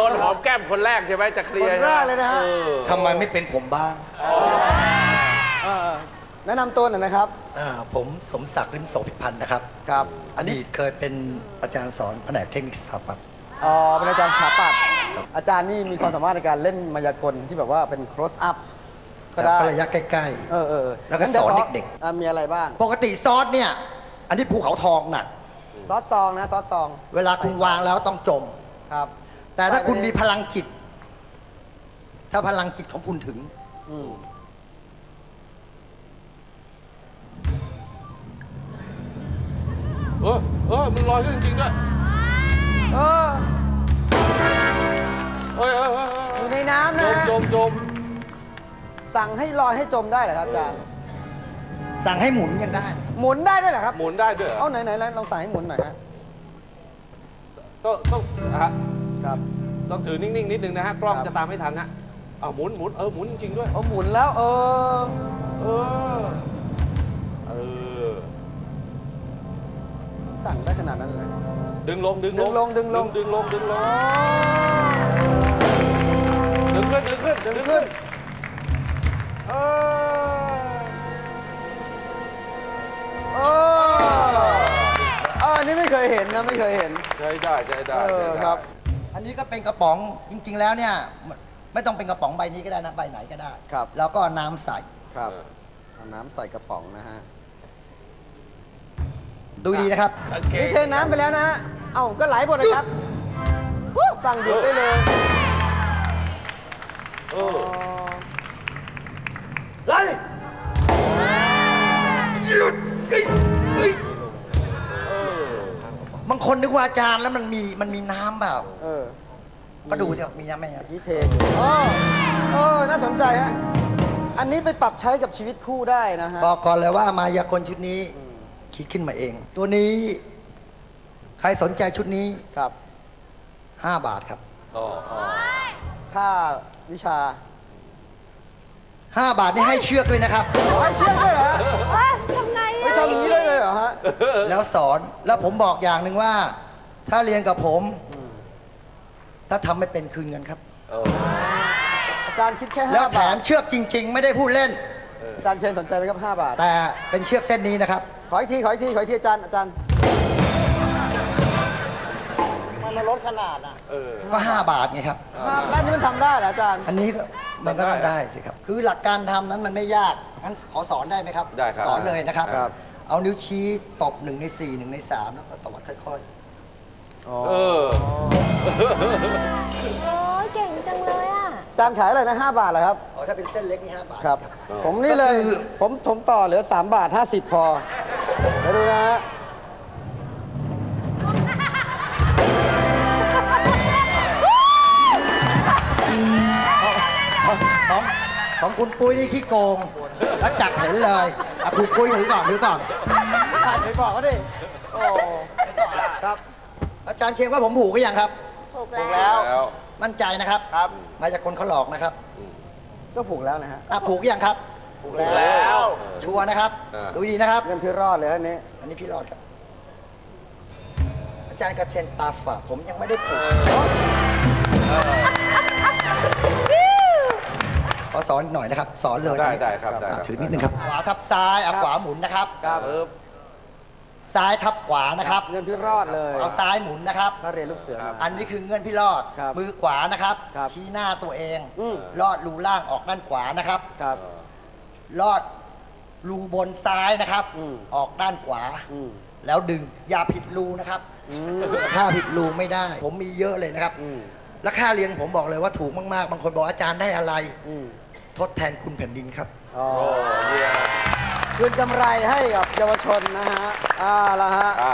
นหอมแก้มคนแรกใช่ไหมจะเคลียร์คนแรกเลยนะฮะทำไมไม่เป็นผมบ้างแนะนำตัวหน่อยนะครับผมสมศักดิ์ ลิ้มโสภิพันธ์นะครับครับอดีตเคยเป็นอาจารย์สอนแผนกเทคนิคสถาปัตย์เป็นอาจารย์สถาปัตย์อาจารย์นี่มีความสามารถในการเล่นมายากลที่แบบว่าเป็น close up ก็ได้ระยะใกล้ๆแล้วก็สอนเด็กๆมีอะไรบ้างปกติซอสเนี่ยอันนี้ภูเขาทองน่ะซอสซองนะซอสซองเวลาคุณวางแล้วต้องจมครับแต่ถ้าคุณมีพลังจิตถ้าพลังจิตของคุณถึงมันลอยขึ้นจริงๆด้วยอยู่ในน้ำนะจมสั่งให้ลอยให้จมได้เหรอครับอาจารย์สั่งให้หมุนยังได้หมุนได้ด้วยเหรอครับหมุนได้ด้วยเอาไหนลองสั่งให้หมุนหน่อยฮะต้องครับต้องถือนิ่งๆนิดนึงนะฮะกล้องจะตามไม่ทันนะหมุนหมุนจริงๆด้วยหมุนแล้วสั่งได้ขนาดนั้นเลยดึงลงดึงขึ้นอันนี้ไม่เคยเห็นนะไม่เคยเห็นใช้ได้ครับอันนี้ก็เป็นกระป๋องจริงๆแล้วเนี่ยไม่ต้องเป็นกระป๋องใบนี้ก็ได้นะใบไหนก็ได้ครับแล้วก็น้ำใส่ครับเอาน้ำใส่กระป๋องนะฮะดูดีนะครับนี่เทน้ำไปแล้วนะก็ไหลหมดเลยครับสั่งหยุดได้เลยไหลหยุดบางคนนึกว่าอาจารย์แล้วมันมีน้ำเปล่าก็ดูสิมีน้ำไหมยี่เทน่าสนใจฮะอันนี้ไปปรับใช้กับชีวิตคู่ได้นะฮะบอกก่อนเลยว่ามายากลชุดนี้คิดขึ้นมาเองตัวนี้ใครสนใจชุดนี้ครับ 5 บาทครับค่าวิชา 5 บาทนี่ให้เชือกด้วยนะครับให้เชือกด้วยเหรอทำไงทำนี้เลยเหรอฮะแล้วสอนแล้วผมบอกอย่างหนึ่งว่าถ้าเรียนกับผมถ้าทำไม่เป็นคืนเงินครับอาจารย์คิดแค่5 บาทแล้วแถมเชือกจริงๆไม่ได้พูดเล่นอาจารย์เชนสนใจไหมครับ5 บาทแต่เป็นเชือกเส้นนี้นะครับขออีกทีอาจารย์มันลดขนาดก็5 บาทไงครับแล้วนี่มันทำได้เหรออาจารย์อันนี้มันก็ทำได้สิครับคือหลักการทำนั้นมันไม่ยากงั้นขอสอนได้ไหมครับได้ครับสอนเลยนะครับเอานิ้วชี้ตบ1 ใน 4 1 ใน 3แล้วก็ตวัดค่อยโอ้ยเก่งจังเลยอ่ะจานขายอะไรนะ5 บาทเหรอครับถ้าเป็นเส้นเล็กนี่5 บาทครับผมนี่เลยผมต่อเหลือ3 บาท 50พอไปดูนะฮะของคุณปุ้ยนี่ขี้โกงแล้วจับเห็นเลยคุณปุ้ยถือก่อนไปบอกเขาดิโอ้ครับอาจารย์เชงว่าผมผูกหรือยังครับผูกแล้วมั่นใจนะครับมาจากคนเขาหลอกนะครับก็ผูกแล้วนะฮะผูกยังครับผูกแล้วชัวร์นะครับดูดีนะครับเงินพี่รอดเลยอันนี้พี่รอดครับอาจารย์กระเชนตาฝาดผมยังไม่ได้ผูกขอสอนหน่อยนะครับสอนเลยได้ครับถือนิดนึงครับขวาทับซ้ายขวาหมุนนะครับซ้ายทับขวานะครับเงินพี่รอดเลยเอาซ้ายหมุนนะครับถ้าเรียนลูกเสืออันนี้คือเงินพี่รอดมือขวานะครับชี้หน้าตัวเองลอดรูล่างออกด้านขวานะครับลอดรูบนซ้ายนะครับออกด้านขวาแล้วดึงอย่าผิดรูนะครับถ้าผิดรูไม่ได้ผมมีเยอะเลยนะครับและค่าเรียนผมบอกเลยว่าถูกมากๆบางคนบอกอาจารย์ได้อะไรทดแทนคุณแผ่นดินครับคืนกำไรให้กับเยาวชนนะฮะละฮะ